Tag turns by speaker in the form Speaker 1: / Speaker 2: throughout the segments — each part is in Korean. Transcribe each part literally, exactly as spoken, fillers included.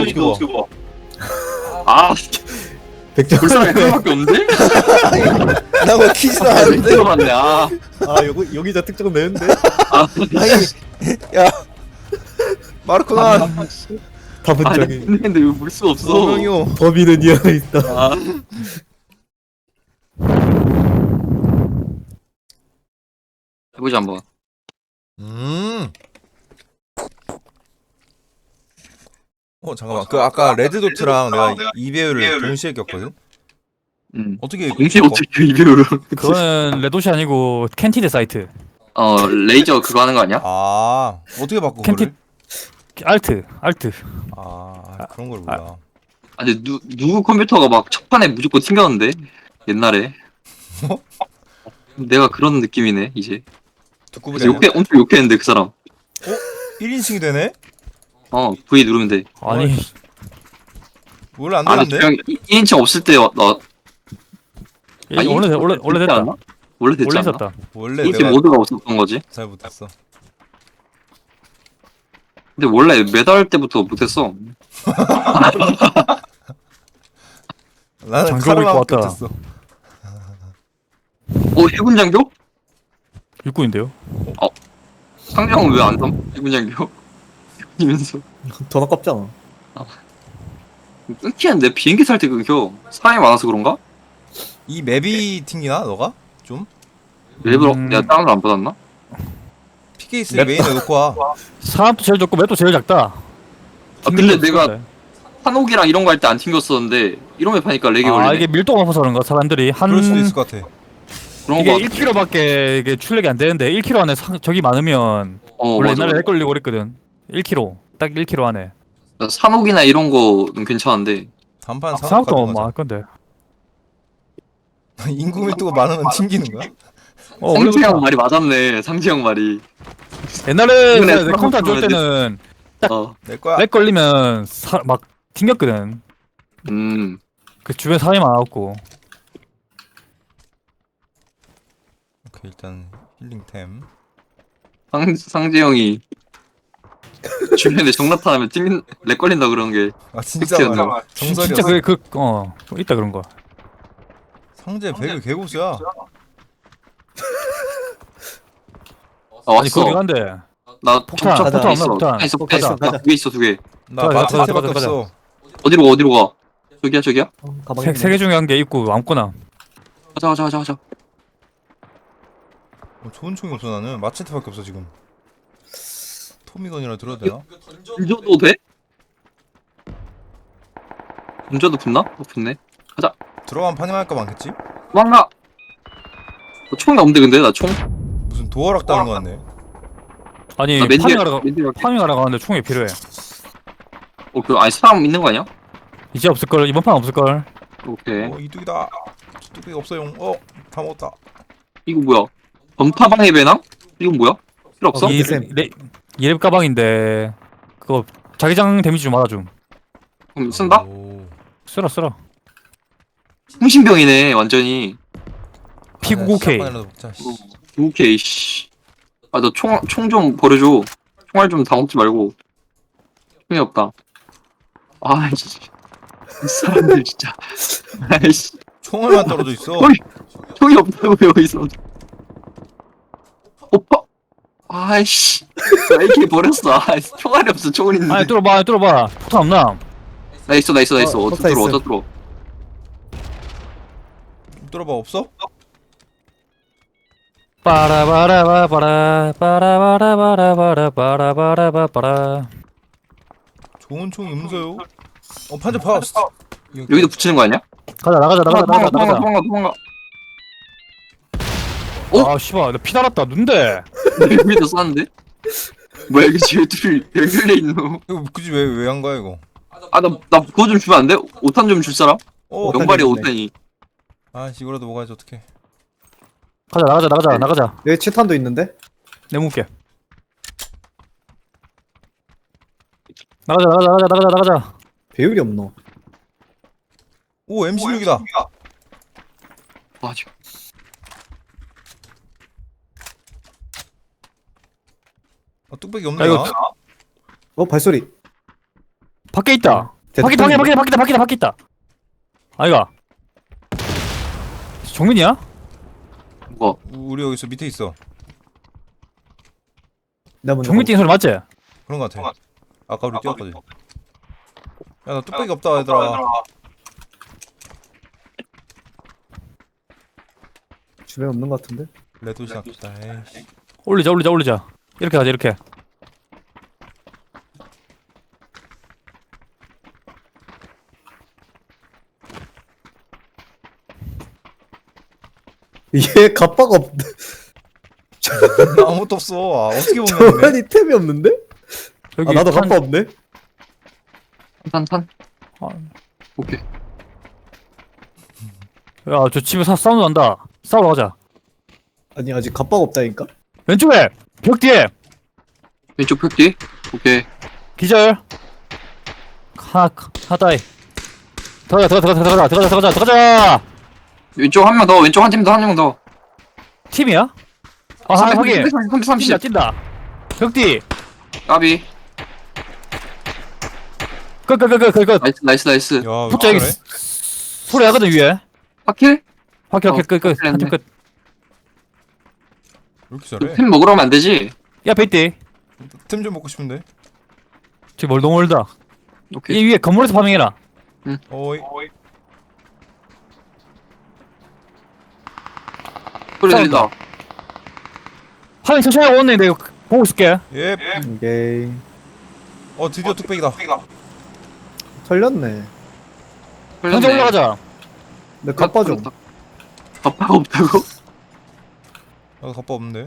Speaker 1: 어떻게 봐?
Speaker 2: 어떻게 봐? 아,
Speaker 3: 백점.
Speaker 2: 불쌍해. 그거밖에 없는데?
Speaker 3: 나뭐 키지도
Speaker 2: 아,
Speaker 3: 않는데.
Speaker 2: 들어봤네. 아,
Speaker 3: 아 여기 여기다 특정 내는데.
Speaker 2: 아,
Speaker 3: 아니 야 마르코나
Speaker 2: 아,
Speaker 3: 다분적이.
Speaker 2: 근데 왜 볼 수 없어?
Speaker 3: 소명이요. 범인은 이 안에 있다.
Speaker 2: 아, 해보자 한번.
Speaker 1: 음. 어 잠깐만 그 아까 레드도트랑 내가 이 배율을 동시에 꼈거든?
Speaker 2: 음.
Speaker 1: 어떻게
Speaker 2: 공시
Speaker 1: 바꿔?
Speaker 2: 어떻게 이별을?
Speaker 4: 그거는 레도시 아니고 캔티드 사이트.
Speaker 2: 어, 레이저 그거 하는 거 아니야?
Speaker 1: 아 어떻게 바꿔
Speaker 4: 캔티
Speaker 1: 그거를?
Speaker 4: 알트 알트.
Speaker 1: 아 그런 걸 몰라.
Speaker 2: 아, 근데 누 누구 컴퓨터가 막 첫판에 무조건 튕겼는데 옛날에.
Speaker 1: 뭐?
Speaker 2: 내가 그런 느낌이네 이제.
Speaker 1: 듣고
Speaker 2: 그래서
Speaker 1: 보자.
Speaker 2: 욕해 엄청 욕했는데 그 사람.
Speaker 1: 일 인칭이 되네?
Speaker 2: 어, V 누르면 돼.
Speaker 4: 아니
Speaker 1: 원래 안
Speaker 2: 아, 나
Speaker 1: 되는데?
Speaker 2: 그냥 이 인칭 없을 때 나.
Speaker 4: 예, 원래 돼- 원래 원래
Speaker 2: 됐지
Speaker 4: 됐다.
Speaker 2: 않나? 원래 됐지
Speaker 4: 원래
Speaker 2: 않나?
Speaker 4: 있었다.
Speaker 1: 원래
Speaker 2: 인칭
Speaker 1: 내가
Speaker 2: 모드가 없었던 거지.
Speaker 1: 잘 못했어.
Speaker 2: 근데 원래 매달 때부터 못했어.
Speaker 1: 나는
Speaker 4: 장교
Speaker 1: 카르마
Speaker 4: 입고 왔다.
Speaker 1: 못했어.
Speaker 2: 어, 해군 장교?
Speaker 4: 육군인데요.
Speaker 2: 상장은 왜 안 삼? 해군 장교? 이면서
Speaker 3: 돈 아깝잖아.
Speaker 2: 끊기는데 비행기 탈 때 끊겨. 사람이 많아서 그런가?
Speaker 1: 이 맵이 튕기나 너가? 좀?
Speaker 2: 일부러
Speaker 4: 음.
Speaker 2: 내가 다운을 안 받았나?
Speaker 1: 피케이스
Speaker 4: 맵-
Speaker 1: 메인에 놓고 와.
Speaker 4: 사람도 제일 적고 맵도 제일 작다.
Speaker 2: 아, 근데 내가
Speaker 4: 그래.
Speaker 2: 한옥이랑 이런 거 할 때 안 튕겼었는데 이런 맵 하니까 렉이
Speaker 4: 아
Speaker 2: 걸리네.
Speaker 4: 이게 밀도가 높아서 그런가 사람들이 한
Speaker 1: 그럴 수도 있을 것 같아.
Speaker 2: 그런
Speaker 4: 이게
Speaker 2: 거
Speaker 4: 일 킬로미터밖에 이게 출력이 안 되는데 일 킬로미터 안에 상, 적이 많으면
Speaker 2: 어,
Speaker 4: 원래
Speaker 2: 맞아.
Speaker 4: 옛날에 렉 걸리고 그랬거든. 일 킬로미터 딱 일 킬로미터 안에.
Speaker 2: 맞아. 산옥이나 이런 거는 괜찮은데
Speaker 1: 단판 사업
Speaker 4: 생각도
Speaker 1: 같은
Speaker 4: 뭐
Speaker 1: 거잖아.
Speaker 4: 할 건데.
Speaker 1: 인구 밀도가 많으면 튕기는 거야?
Speaker 4: 어
Speaker 2: 상지 형
Speaker 4: 원래부터
Speaker 2: 말이 맞았네. 상지 형 말이.
Speaker 4: 옛날에
Speaker 2: 이번에
Speaker 4: 내 컴퓨터 안 좋을
Speaker 2: 사람
Speaker 4: 때는
Speaker 2: 어,
Speaker 1: 내 거야.
Speaker 4: 렉 걸리면 사, 막 튕겼거든.
Speaker 2: 음,
Speaker 4: 그 주변 사람이 많았고.
Speaker 1: 오케이 일단 힐링템.
Speaker 2: 상 상지 형이 주변에 정나타하면 튕긴 렉 걸린다 그런 게.
Speaker 1: 아 진짜
Speaker 2: 팩트였나?
Speaker 1: 말이야.
Speaker 4: 진짜
Speaker 1: 정설이었어.
Speaker 4: 그게 그어 있다 그런 거.
Speaker 1: 상제 배그 개고수야.
Speaker 2: 아,
Speaker 4: 아니
Speaker 2: 왔어.
Speaker 4: 거기 간대.
Speaker 2: 나
Speaker 4: 폭탄,
Speaker 2: 적-
Speaker 3: 폭탄
Speaker 2: 있어.
Speaker 4: 없나, 폭탄?
Speaker 2: 있어,
Speaker 3: 폭탄
Speaker 2: 있어.
Speaker 3: 있어, 가자.
Speaker 2: 두 개 있어, 두 개.
Speaker 1: 나
Speaker 4: 가자,
Speaker 1: 마체테밖에
Speaker 4: 가자, 가자,
Speaker 1: 없어.
Speaker 2: 어디로 가, 어디로 가? 저기야, 저기야.
Speaker 3: 어, 가방에
Speaker 4: 세,
Speaker 3: 있네.
Speaker 4: 세 개 중에 한 개 있고 아무거나.
Speaker 2: 가자, 가자, 가자, 가자.
Speaker 1: 어, 좋은 총이 없어 나는. 마체테밖에 없어 지금. 토미건이라 들어도 되나?
Speaker 2: 던져도 돼? 던져도 붙나? 어, 붙네.
Speaker 1: 들어가면 파밍할까 많겠지?
Speaker 2: 도망가! 어, 총이 없는데, 근데? 나 총?
Speaker 1: 무슨 도어락 따는 거 같네.
Speaker 4: 아니
Speaker 2: 나 맨디,
Speaker 4: 파밍하러 가
Speaker 2: 맨디 갈게.
Speaker 4: 파밍하러 가는데 총이 필요해.
Speaker 2: 어, 그, 아니, 사람 있는 거 아니야?
Speaker 4: 이제 없을 걸 이번 판 없을 걸.
Speaker 2: 오케이.
Speaker 1: 어 이뚝이다. 뚝배기 없어요. 어다 먹었다.
Speaker 2: 이거 뭐야? 범타방의 배낭? 이건 뭐야? 필요 없어?
Speaker 4: 이
Speaker 3: 쌤.
Speaker 4: 레 이랩 가방인데 그거 자기장 데미지 좀 맞아줌.
Speaker 2: 그럼 쓴다?
Speaker 1: 오.
Speaker 4: 쓰라 쓰라.
Speaker 2: 통신병이네, 완전히.
Speaker 4: 피 구십구 케이.
Speaker 1: 아, 시작만이라도 먹자, 씨.
Speaker 2: 오케이, 씨. 아, 너 총, 총 좀 버려줘. 총알 좀 다 먹지 말고. 총이 없다. 아이씨. 이 사람들 진짜. 아이씨.
Speaker 1: 총알만 떨어져 있어.
Speaker 2: 어이. 총이 없다고요, 여기서. 오빠! 아이씨. 나 이렇게 버렸어. 아이씨. 총알이 없어, 총은 있는데.
Speaker 4: 아니 뚫어봐 아니, 뚫어봐. 폭탄 없나?
Speaker 2: 나 있어, 나 있어, 나 있어.
Speaker 3: 어,
Speaker 2: 어쩌
Speaker 3: 폭탄
Speaker 2: 들어,
Speaker 3: 있어.
Speaker 2: 어쩌 들어.
Speaker 1: 뚫어봐 없어?
Speaker 4: 빠라바라바바라 빠라바라바라바라
Speaker 1: 좋은 총이 음소요. 어 판자 파스.
Speaker 2: 여기도 붙이는 거 아니야?
Speaker 4: 가자 나가자 나가자
Speaker 2: 도망가,
Speaker 4: 나가자
Speaker 2: 도망가,
Speaker 4: 나가자.
Speaker 2: 도망가, 도망가. 어?
Speaker 4: 아 씨발 나 피 달았다 눈대.
Speaker 2: 여기도 쐈는데? 뭐야, 이게 지금 둘이 연결돼 있노?
Speaker 1: 이거 굳이 왜 왜 한 거야 이거?
Speaker 2: 아, 나, 나 그거 좀 주면 안 돼? 오탄 좀 줄 사람?
Speaker 1: 어.
Speaker 3: 오탄
Speaker 2: 연발이
Speaker 3: 있네.
Speaker 2: 오탄이.
Speaker 1: 아 이거라도 먹어야지 어떡해.
Speaker 4: 가자 나가자 나가자 나가자.
Speaker 3: 여기 칠탄도 있는데?
Speaker 4: 내 묵게. 나가자 나가자 나가자 나가자 나가자.
Speaker 3: 배율이 없노.
Speaker 1: 오 엠십육이다.
Speaker 2: 아, 지금.
Speaker 1: 어, 뚝배기
Speaker 4: 아,
Speaker 1: 없네.
Speaker 4: 이거
Speaker 1: 나.
Speaker 3: 어 발소리.
Speaker 4: 밖에 있다. 바퀴 바퀴 바퀴 바퀴다 바퀴다 바퀴다. 아이가. 정민이야?
Speaker 2: 뭐
Speaker 1: 우리 여기서 밑에 있어.
Speaker 3: 내가 먼저
Speaker 4: 정민 뛰는 소리 맞지?
Speaker 1: 그런 거 같아. 아까 우리 뛰었거든. 야, 나 뚝배기 없다 얘들아.
Speaker 3: 주변에 없는 것 같은데?
Speaker 1: 레드시 아깝다. 에이씨.
Speaker 4: 올리자 올리자 올리자. 이렇게 가자 이렇게.
Speaker 3: 얘 갑바가 없.
Speaker 1: 나 아무것도 없어. 아, 어떻게 보면 돼?
Speaker 3: 저만이 템이 없는데?
Speaker 4: 여기
Speaker 3: 아 나도
Speaker 4: 탄-
Speaker 3: 갑바 없네.
Speaker 2: 탄탄
Speaker 4: 아,
Speaker 2: 오케이.
Speaker 4: 야, 저 집에 사 사운드 난다. 싸우러 가자.
Speaker 3: 아니 아직 갑바가 없다니까?
Speaker 4: 왼쪽에 벽 뒤에
Speaker 2: 왼쪽 벽 뒤. 오케이.
Speaker 4: 기절. 하나 하다이. 들어가 들어가 들어가 들어가 들어가 들어가 들어가자.
Speaker 2: 왼쪽 한 명 더. 왼쪽 한 팀 더. 한 명 더.
Speaker 4: 팀이야? 아, 하나 확인.
Speaker 2: 삼삼삼십.
Speaker 4: 뛴다 뛴다. 벽 뒤.
Speaker 2: 까비.
Speaker 4: 끝끝끝끝끝.
Speaker 2: 나이스 나이스 나이스.
Speaker 1: 야,
Speaker 4: 붙자 여기
Speaker 1: 그래?
Speaker 4: 소리 하거든 위에.
Speaker 2: 파킬?
Speaker 4: 확인
Speaker 2: 어,
Speaker 4: 확인 끝끝
Speaker 2: 확인
Speaker 4: 한팀 끝.
Speaker 1: 왜 이렇게 잘해?
Speaker 2: 템 먹으러 가면 안 되지?
Speaker 4: 야 베이티.
Speaker 1: 템 좀 먹고 싶은데.
Speaker 4: 저기 멀 너무 멀다.
Speaker 2: 오케이.
Speaker 4: 이 위에 건물에서 파밍해라.
Speaker 1: 어이.
Speaker 2: 소리
Speaker 4: 싸운다.
Speaker 2: 들린다.
Speaker 4: 파밍 천천히 하고 오네. 내가 보고 있을게.
Speaker 1: 예.
Speaker 3: 오케이.
Speaker 1: 어, 드디어 뚝배기다.
Speaker 3: 털렸네.
Speaker 4: 당장 올라가자.
Speaker 3: 내 갑바 좀.
Speaker 2: 갑바가 없다고?
Speaker 1: 나도 갑바 없는데.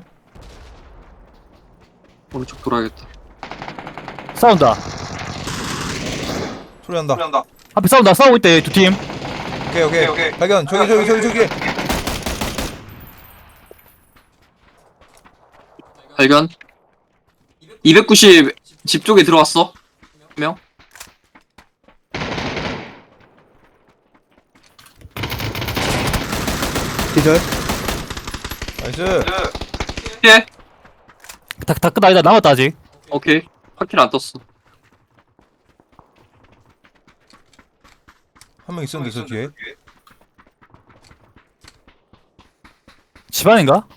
Speaker 2: 오른쪽 돌아야겠다.
Speaker 4: 싸운다.
Speaker 1: 소리 난다.
Speaker 4: 앞에 싸운다. 싸우고 있대 두 팀.
Speaker 1: 오케이, 오케이, 오케이. 발견. 저기, 저기, 저기, 저기.
Speaker 2: 발견. 이백구십 집 쪽에 들어왔어. 한 명.
Speaker 3: 기절.
Speaker 1: 나이스.
Speaker 2: 예.
Speaker 4: 다다 끝 아니다. 남았다 아직.
Speaker 2: 오케이. 파킬 안 떴어.
Speaker 1: 한 명 있었는데 저 뒤에.
Speaker 4: 집안인가?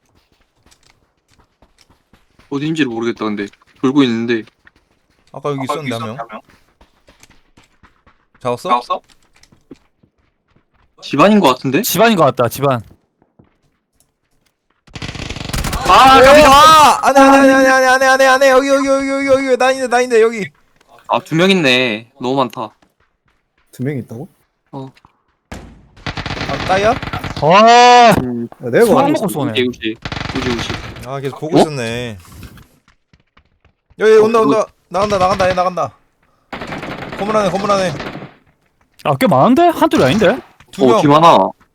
Speaker 2: 어딘지를 모르겠다. 근데 돌고 있는데.
Speaker 1: 아까 여기 있었는데 한 명. 잡았어?
Speaker 2: 집안인 것 같은데?
Speaker 4: 집안인 것 같다. 집안.
Speaker 2: 아,
Speaker 1: 오,
Speaker 2: 깜짝이야.
Speaker 1: 아! 안해, 안해, 안해, 안해, 안해, 안해, 안해. 여기, 여기, 여기, 여기, 여기, 여기. 나 있네, 나 있네, 여기.
Speaker 2: 아, 두 명 있네. 너무 많다.
Speaker 3: 두 명 있다고?
Speaker 1: 아, 따야?
Speaker 4: 와.
Speaker 2: 음,
Speaker 3: 야, 내가
Speaker 4: 수박
Speaker 3: 봐.
Speaker 4: 먹고 쏘네.
Speaker 2: 우지, 우지. 우지, 우지.
Speaker 1: 아, 계속 보고
Speaker 2: 어?
Speaker 1: 있었네. 여기 온다, 온다. 나간다, 나간다, 얘 나간다. 건물 안에, 건물 안에.
Speaker 4: 아, 꽤 많은데? 한둘이 아닌데?
Speaker 1: 두
Speaker 2: 어,
Speaker 1: 명.
Speaker 2: 뒤 많아.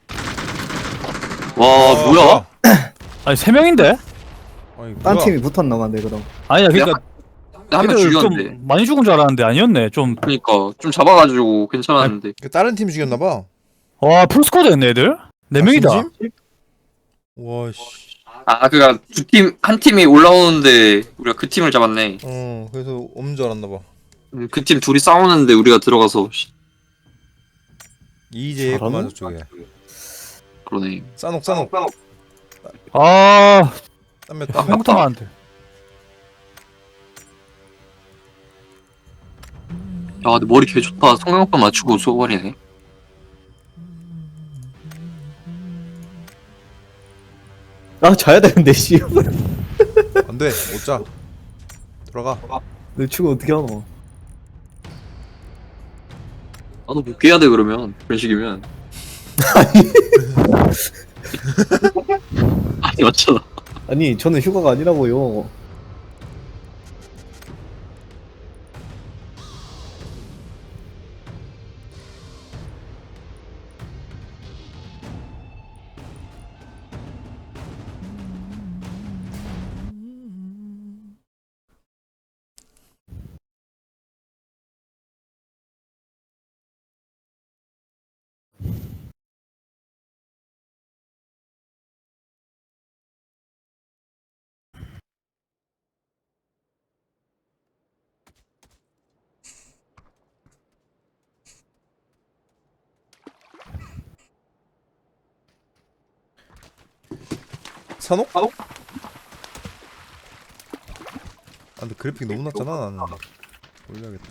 Speaker 2: 와,
Speaker 1: 아,
Speaker 2: 뭐야?
Speaker 4: 아니 세 명인데?
Speaker 1: 아니,
Speaker 3: 딴
Speaker 1: 뭐야.
Speaker 3: 팀이 붙었나 봐네 그럼.
Speaker 4: 아니야 그러니까
Speaker 2: 한 명
Speaker 4: 걔들
Speaker 2: 죽였는데.
Speaker 4: 좀 많이 죽은 줄 알았는데 아니었네. 좀.
Speaker 2: 그니까, 좀 잡아가지고 괜찮았는데.
Speaker 1: 그 다른 팀 죽였나봐.
Speaker 4: 와 풀스쿼드였네 애들. 네
Speaker 1: 아,
Speaker 4: 명이다.
Speaker 1: 진심? 와, 씨.
Speaker 2: 아, 그니까, 두 팀, 한 팀이 올라오는데, 우리가 그 팀을 잡았네.
Speaker 1: 어, 그래서 없는 줄 알았나봐.
Speaker 2: 음, 그 팀 둘이 싸우는데 우리가 들어가서, 씨,
Speaker 1: 이제
Speaker 3: 잘하나?
Speaker 1: 그만 저쪽에.
Speaker 2: 그러네.
Speaker 1: 싸녹, 싸녹.
Speaker 4: 아
Speaker 1: 땀몇
Speaker 2: 아,
Speaker 1: 땀.
Speaker 4: 한국도 안 돼.
Speaker 2: 야, 근데 머리 개 좋다. 성형판 맞추고 쏘버리네.
Speaker 3: 아 자야 되는데 씨.
Speaker 1: 안 돼, 못 자. 들어가.
Speaker 3: 내 축구 어떻게 하노?
Speaker 2: 나도 복귀해야 돼, 그러면. 그런 식이면. 아니, 맞잖아.
Speaker 3: 아니 저는 휴가가 아니라고요.
Speaker 1: 산옥?
Speaker 2: 산옥?
Speaker 1: 아 근데 그래픽 너무 낮잖아 나는. 올려야겠다.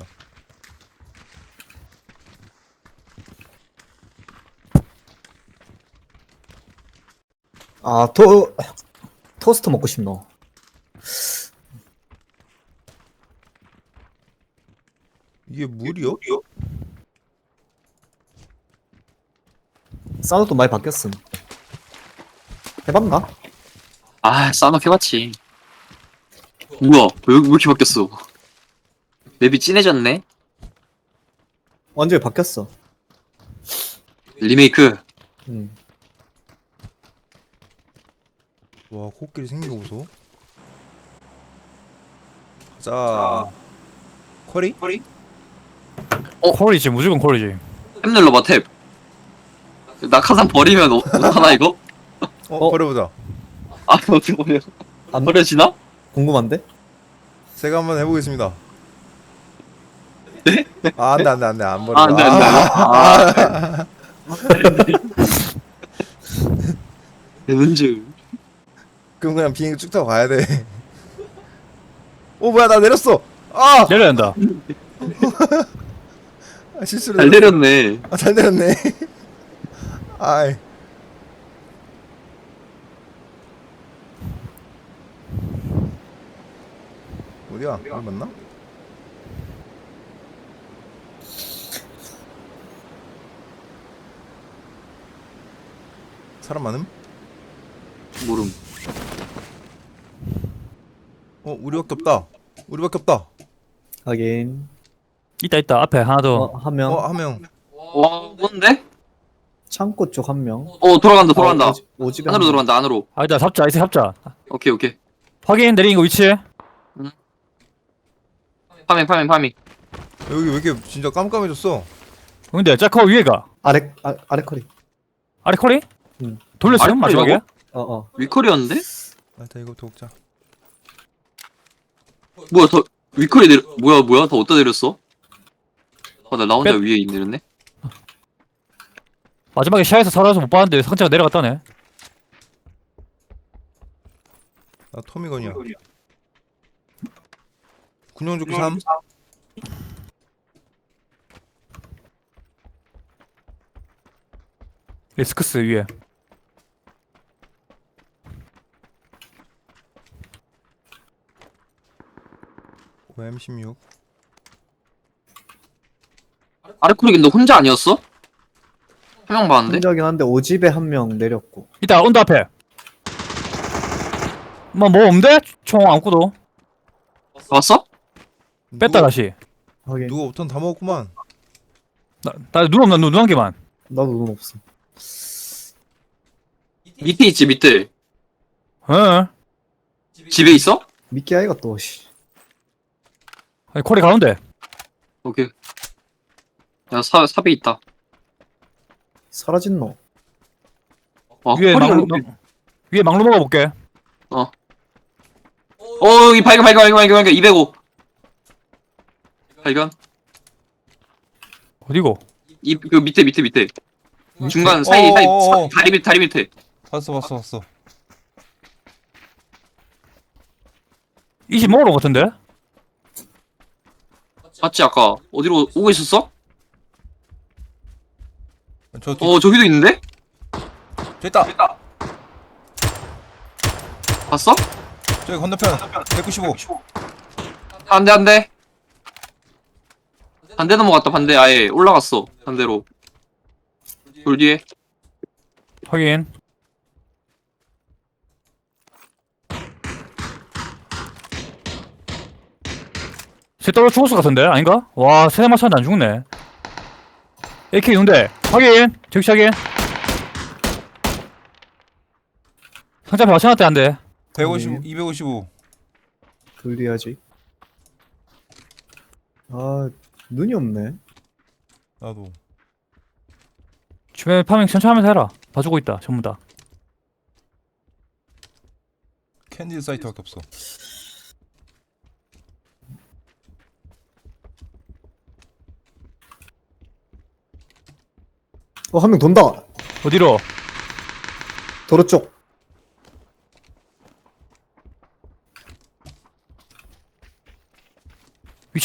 Speaker 3: 아, 토, 토스트 먹고 싶노.
Speaker 1: 이게 물이요?
Speaker 3: 사우도 많이 바뀌었음. 해봤나?
Speaker 2: 아, 싸놓 해봤지. 우와, 왜, 왜 이렇게 바뀌었어? 맵이 진해졌네?
Speaker 3: 완전히 바뀌었어.
Speaker 2: 리메이크.
Speaker 3: 음.
Speaker 1: 와 코끼리 생긴 거 보소. 가자. 커리?
Speaker 4: 콜이지 무조건 콜이지.
Speaker 2: 탭 눌러봐, 탭. 낙하산 버리면 어, 하나 이거?
Speaker 1: 어,
Speaker 3: 어?
Speaker 1: 버려보자.
Speaker 2: 아, 어떻게 버려?
Speaker 3: 안
Speaker 2: 버려지나?
Speaker 3: 궁금한데?
Speaker 1: 제가 한번 해보겠습니다. 네? 아 안돼 안돼 안돼 안 버려.
Speaker 2: 아, 안 돼, 안 돼. 아, 내 문제.
Speaker 1: 그럼 그냥 비행기 쭉 타고 가야 돼. 오 뭐야 나 내렸어. 아,
Speaker 4: 내려야 한다.
Speaker 1: 아 실수로
Speaker 2: 잘
Speaker 1: 내렸어.
Speaker 2: 내렸네.
Speaker 1: 아, 잘 내렸네. 아이. 어디야? 어디 맞나? 사람 많음?
Speaker 2: 모름.
Speaker 1: 어 우리밖에 없다. 우리밖에 없다.
Speaker 3: 하긴.
Speaker 4: 있다 있다 앞에 하나 더.
Speaker 3: 어, 한 명.
Speaker 1: 어 한 명.
Speaker 2: 와, 뭔데?
Speaker 3: 창고 쪽 한 명.
Speaker 2: 어, 돌아간다, 돌아간다.
Speaker 3: 아, 오집- 오집에
Speaker 2: 안으로
Speaker 3: 한 명.
Speaker 2: 들어간다, 안으로.
Speaker 4: 아니다 잡자 이제 잡자.
Speaker 2: 오케이, 오케이.
Speaker 4: 확인 내리는 거 위치.
Speaker 2: 파밍, 파밍, 파밍.
Speaker 1: 여기 왜 이렇게 진짜 깜깜해졌어?
Speaker 4: 근데 짜커 위에가
Speaker 3: 아래, 아, 아래 커리.
Speaker 4: 아래 콜이?
Speaker 3: 응.
Speaker 4: 돌렸어요
Speaker 2: 아래
Speaker 4: 마지막에?
Speaker 2: 콜이라고?
Speaker 3: 어, 어.
Speaker 2: 위컬이었는데?
Speaker 1: 아, 일단 이거부터 먹자.
Speaker 2: 뭐야, 더, 위컬이 내려, 뭐야, 뭐야, 더 어디다 내렸어? 아, 나, 나 혼자
Speaker 4: 뺐-
Speaker 2: 위에 내렸네?
Speaker 4: 마지막에 샤에서 살아서 못 봤는데 상자가 내려갔다네.
Speaker 1: 나 토미건이야. 군용조끼 삼.
Speaker 4: 리스크스 위에.
Speaker 1: 엠 십육.
Speaker 2: 아르코리 근데 혼자 아니었어? 한 명 봤는데?
Speaker 3: 혼자긴 한데 오집에 한 명 내렸고.
Speaker 4: 이따 온다 앞에. 뭐 뭐 없는데? 총 안고도
Speaker 2: 봤어?
Speaker 4: 뺐다 다시.
Speaker 3: 하긴.
Speaker 1: 누가 오탄 다 먹었구만.
Speaker 4: 나눈 없나 눈 한 개만.
Speaker 3: 나도 눈 없어.
Speaker 2: 밑에 있지, 밑에.
Speaker 4: 응.
Speaker 2: 집에 있어?
Speaker 3: 미끼 아이가 또, 씨.
Speaker 4: 아니, 콜이 가운데.
Speaker 2: 오케이. 야, 사, 삽에 있다.
Speaker 3: 사라진 너.
Speaker 2: 와,
Speaker 4: 위에
Speaker 2: 허리가
Speaker 4: 망루
Speaker 2: 이렇게-
Speaker 4: 망- 위에 망루 먹어볼게.
Speaker 2: 어, 여기 발견, 발견, 발견, 발견, 발견. 이백오. 발견.
Speaker 4: 어디고?
Speaker 2: 이, 그 밑에, 밑에, 밑에. 중간 사이, 사이,
Speaker 1: 어어어어.
Speaker 2: 사- 다리 밑, 다리 밑에.
Speaker 1: 봤어 봤어 봤어.
Speaker 4: 이십 먹으러 온 것 같은데?
Speaker 2: 맞지, 아까. 어디로 오고 있었어?
Speaker 1: 저 뒤.
Speaker 2: 어, 저기도 있는데?
Speaker 1: 저 있다.
Speaker 2: 봤어?
Speaker 1: 저기 건너편. 백구십오.
Speaker 2: 안 돼, 안 돼. 반대 넘어갔다, 반대. 아예 올라갔어. 반대로. 돌 뒤에.
Speaker 4: 확인. 쟤 떨어 죽었을 것 같은데? 아닌가? 와, 세대 맞췄는데 안 죽네. 에이케이 있는데. 확인. 즉시 확인. 상자 앞에 맞춰놨대, 안 돼.
Speaker 1: 백오십오. 이백오십오.
Speaker 3: 돌려야지. 아, 눈이 없네.
Speaker 1: 나도.
Speaker 4: 주변에 파밍 천천히 하면서 해라. 봐주고 있다, 전부 다.
Speaker 1: 캔디 사이트밖에 없어.
Speaker 3: 어, 한 명 돈다.
Speaker 4: 어디로?
Speaker 3: 도로 쪽.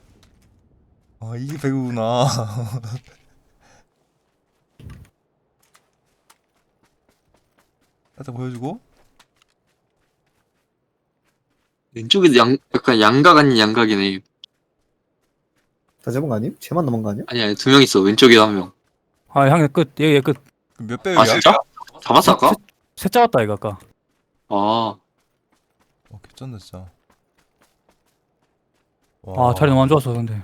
Speaker 1: 아 이게 배구구나. 살짝 보여주고.
Speaker 2: 왼쪽에도 양, 약간 양각 아닌 양각이네.
Speaker 3: 다 잡은 거 아님? 쟤만 남은 거 아니야?
Speaker 2: 아니, 아니, 두 명 있어. 왼쪽에 한 명.
Speaker 4: 아 형이 끝 얘 얘 끝
Speaker 1: 몇
Speaker 2: 아,
Speaker 1: 배율이야?
Speaker 2: 진짜? 잡았어, 아까?
Speaker 4: 셋 잡았다 이거 아까
Speaker 2: 아,
Speaker 1: 어 개쩐다 진짜. 와.
Speaker 4: 아 자리 너무 안 좋았어 근데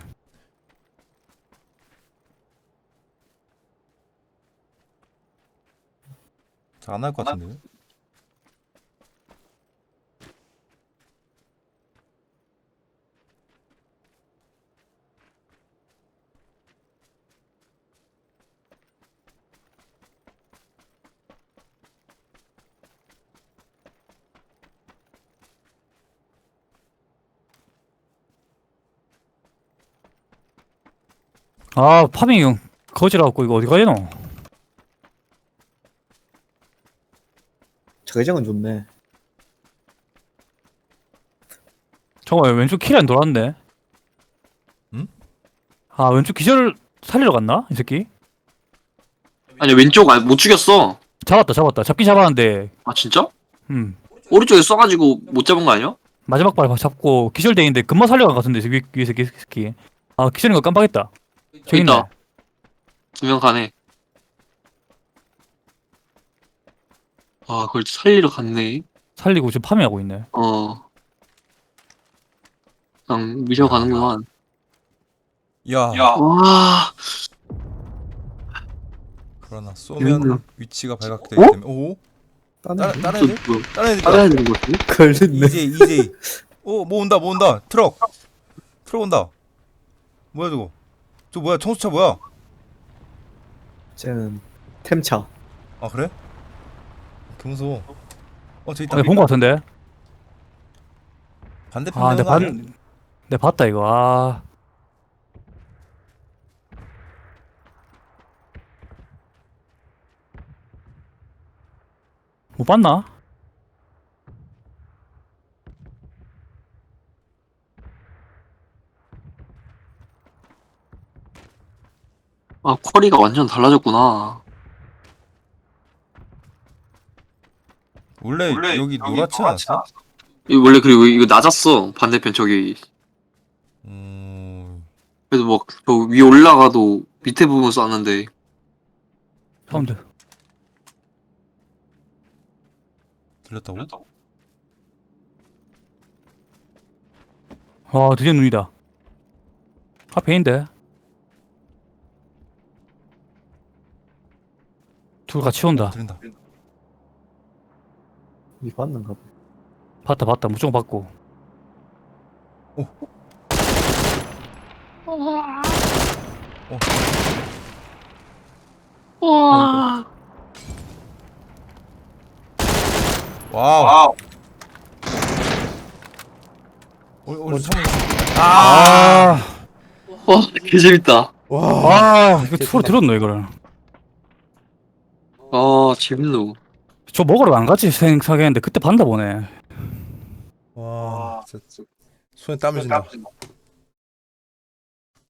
Speaker 1: 잘안날 것 같은데.
Speaker 4: 아 파밍 거지라고 이거 어디 가야노?
Speaker 3: 자기장은 좋네.
Speaker 4: 잠깐만 왼쪽 킬이 안 돌았는데.
Speaker 1: 응?
Speaker 4: 아 왼쪽 기절 살리러 갔나 이 새끼?
Speaker 2: 아니 왼쪽 아, 못 죽였어.
Speaker 4: 잡았다 잡았다 잡긴 잡았는데.
Speaker 2: 아 진짜?
Speaker 4: 음
Speaker 2: 오른쪽에 쏴가지고 못 잡은 거 아니야?
Speaker 4: 마지막 발 잡고 기절돼 있는데 금방 살려간 것 같은데 위, 위에 새끼 새끼. 아 기절인 거 깜빡했다. 저기 있네.
Speaker 2: 있다. 두 명 가네. 아 그걸 살리러 갔네.
Speaker 4: 살리고 지금 파밍하고 있네.
Speaker 2: 어. 그냥 미셔 가는구만.
Speaker 1: 야,
Speaker 2: 와.
Speaker 1: 그러나 쏘면
Speaker 2: 음.
Speaker 1: 위치가 발각되기
Speaker 2: 어?
Speaker 1: 때문에 오?
Speaker 3: 다른
Speaker 1: 다른 다른
Speaker 2: 저,
Speaker 1: 애들?
Speaker 2: 뭐,
Speaker 1: 다른 애들
Speaker 2: 따라야 되는 거 같은데?
Speaker 3: 걸렸네.
Speaker 1: 이제이 이제이 오뭐 온다 뭐 온다 트럭 트럭 온다 뭐야 저거 저 뭐야 청수차 뭐야
Speaker 3: 쟤는 템차.
Speaker 1: 아 그래? 개 무서워 어 저기 있다
Speaker 4: 아, 본것 같은데.
Speaker 1: 반대편
Speaker 4: 아, 내
Speaker 1: 내려가 아니야?
Speaker 4: 반, 내 봤다 이거. 아, 못 봤나?
Speaker 2: 아 쿼리가 완전 달라졌구나.
Speaker 1: 원래, 여기 노랗지 않았어?
Speaker 2: 이거 원래 그리고 이거 낮았어. 반대편 저기.
Speaker 1: 음...
Speaker 2: 그래도 막 저 위에 올라가도 밑에 부분 쐈는데.
Speaker 4: 사운드.
Speaker 1: 들렸다고?
Speaker 4: 아, 드디어 눈이다. 앞에 있는데. 둘 같이 온다.
Speaker 1: 들린다
Speaker 3: 이 봤는가 봐.
Speaker 4: 봤다, 봤다. 무조건 봤고.
Speaker 2: 와.
Speaker 1: 와우 우리 우리 참아
Speaker 4: 아,
Speaker 2: 와, 개 재밌다.
Speaker 1: 와
Speaker 4: 아, 이거 소리 들었노, 이거를.
Speaker 2: 아, 재밌노.
Speaker 4: 저 먹으러 안 갔지 생각했는데 그때 봤나 보네.
Speaker 1: 와, 진짜 손에 땀이 진다.